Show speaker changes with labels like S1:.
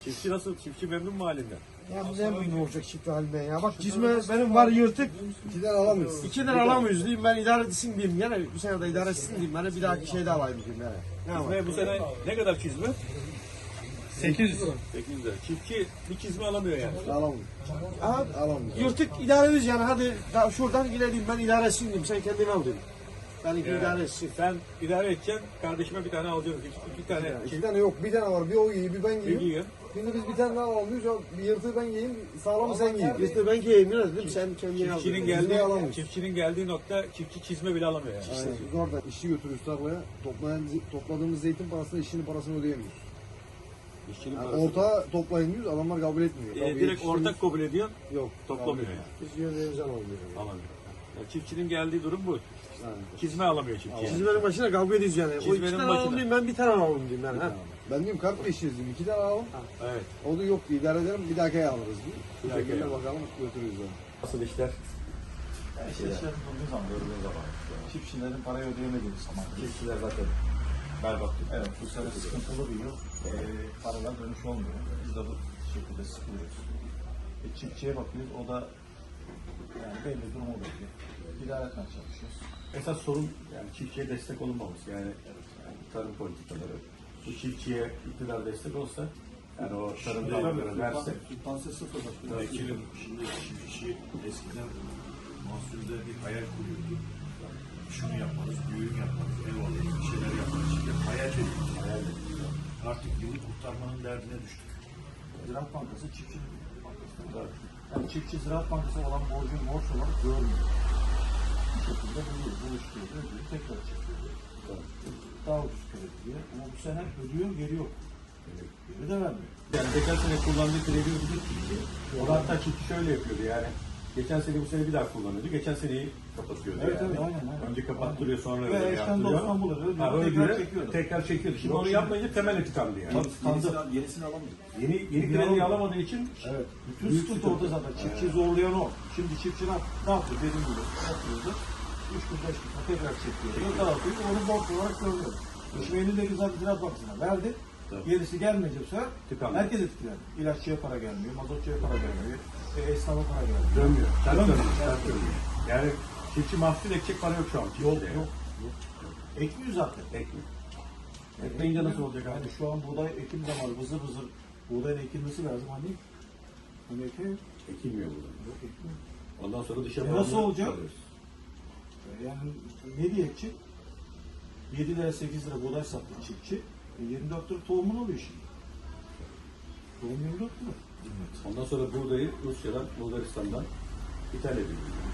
S1: Çiftçi nasıl? Çiftçi memnun mu halinden?
S2: Ya ne memnun olacak çiftçi halinden ya. Bak cizme benim var yırtık.
S3: 2'den alamıyoruz.
S2: 2'den alamıyoruz diyeyim, ben idare etsin diyeyim. Yani bir sene de idare etsin diyeyim. Ben bir dahaki şeyde alayım diyeyim yani. Ne var?
S1: Çizme bu sene ne kadar çizme?
S2: 800.
S1: 800 lira. Çiftçi bir çizme alamıyor yani.
S3: Alamıyoruz.
S2: Aha,
S3: Alamıyoruz.
S2: yırtık idare ederiz yani, hadi daha şuradan ilerleyeyim, ben idare etsin diyeyim. Sen kendin al diyeyim. Ben idare etsin.
S1: Sen idare edeceksin, kardeşime bir tane alacaksın. İki tane
S3: 2 tane yok. Bir tane var. Bir o giyiyor, bir ben giyiyorum.
S1: giyiyor.
S3: Şimdi biz bir tane daha alıyoruz. Bir yırtığı ben giyeyim, sağlamı sen giyin.
S2: İşte ben giyeyim biraz değil mi? Sen kendin al.
S1: Çiftçinin geldiği nokta çiftçi çizme bile alamıyor yani.
S3: Aynen. Biz orada işçi götürüyoruz tarlaya. Topladığımız zeytin parasını, işçinin parasını ödeyemiyoruz.
S1: İşçinin
S3: Yani
S1: parası.
S3: ortağa toplayın diyoruz, adamlar kabul etmiyor.
S1: Direkt ortak kabul ediyor,
S3: yok.
S1: toplamıyor yani.
S2: Biz yönlerimizi alalım.
S1: Alamıyor. Yani çiftçinin geldiği durum bu.
S3: Yani.
S1: Çizme alamıyor çiftçi. Yani.
S2: Çizmenin başına kavga ediyoruz yani. O
S1: Çizmenin
S2: 2 tane
S1: başına.
S2: alalım diyeyim, ben bir tane alalım diyeyim ben. Ha.
S3: Ben diyorum kart değiştiririz diyeyim. 2 tane alalım.
S1: Evet.
S3: O da yok diye idare ederim. Bir dahaki ay alırız diye.
S1: Bir
S3: Bu
S1: dahaki
S3: şekilde
S1: ay
S3: bakalım götürürüz onu.
S1: Nasıl işler?
S4: İşler durduğu zaman, gördüğün zaman. Çiftçilerin parayı ödeyemediği zaman.
S1: Çiftçiler zaten berbat.
S4: Evet, bu sene sıkıntılı bir yıl. Paralar dönüş olmuyor. Biz de bu şekilde sıkılıyoruz. Çiftçiye bakıyoruz, o da yani belli durumu bekliyor. İdare etmeye çalışıyoruz.
S1: Esas sorun yani çiftçiye destek olunmaması yani tarım politikaları. Bu çiftçiye iktidar destek olsa yani o tarım dalgaları verse.
S4: Sübvanse sıfır bakıyor.
S5: Vekilim şimdi çiftçi eskiden mahsulde bir hayal kuruyordu. Şunu yaparız, düğün yaparız, ev alırız, bir şeyler yaparız. Şimdi hayal ediyoruz. Artık yılı kurtarmanın derdine düştük.
S4: Ziraat Bankası çiftçi bankası. Yani çiftçi Ziraat Bankası olan borcun borç olarak görmüyor. Bu şekilde buluşturuyor, ödüyor, tekrar çekiyor. Daha ucuz kredi diye. Ama bu sene ödüyor, geri yok. Geri de vermiyor.
S1: Yani geçen sene kullandığı kredi ödeyecek çiftçi. O da hatta çiftçi şöyle yapıyordu yani. Geçen sene bu sene bir daha kullanıyordu. Geçen seneyi kapatıyordu
S4: Evet,
S1: yani.
S4: evet, aynen.
S1: Önce kapattırıyor sonra
S4: Ve
S1: öyle
S4: eşten
S1: yaptırıyor.
S4: dosttan bulur, ödüyor,
S1: Ha,
S4: tekrar
S1: ödüyor,
S4: çekiyordu.
S1: tekrar çekiyordu. Şimdi onu yapmayınca temeli tıkandı yani.
S5: Yenisini alamayız.
S1: Yeni krediyi alamadığı için
S4: Evet. Bütün sıkıntı orada zaten. Çiftçiyi zorlayan o. Şimdi çiftçi ne yapıyor? Dediğim gibi yapıyordu. 3 gün 5 gün tekrar çekiyor. Dağıtıyor. Onu borç olarak görüyor. Şimdi elindeki zaten Ziraat Bankası'na verdi.
S1: Tabii.
S4: Gerisi gelmeyecek bu sefer
S1: Tıkandı.
S4: herkes etkilendi. İlaççıya para gelmiyor, mazotçuya para gelmiyor, esnafa para gelmiyor.
S1: dönmüyor. Ters
S4: Dönmüyor.
S1: dönüyor. Ters dönüyor. Yani çiftçi mahsul ekecek para yok şu an.
S4: Yok,
S1: çiftçide
S4: yok. Ekmiyor zaten.
S1: Ekmiyor. Ekmeyince nasıl olacak abi?
S4: Yani şu an buğday ekim zamanı vızır vızır buğdayın ekilmesi lazım hani. Hani ekiyor.
S1: Ekilmiyor burada.
S4: Yok ekmiyor.
S1: Ondan sonra dışa
S4: Nasıl
S1: bağımlı
S4: olacak?
S1: kalıyoruz.
S4: Yani ne diye ekecek? 7 lira 8 lira buğday sattı çiftçi. 24 lira tohumun oluyor şimdi. Tohum 24 lira.
S1: Ondan sonra buğdayı Rusya'dan, Bulgaristan'dan ithal ediliyor.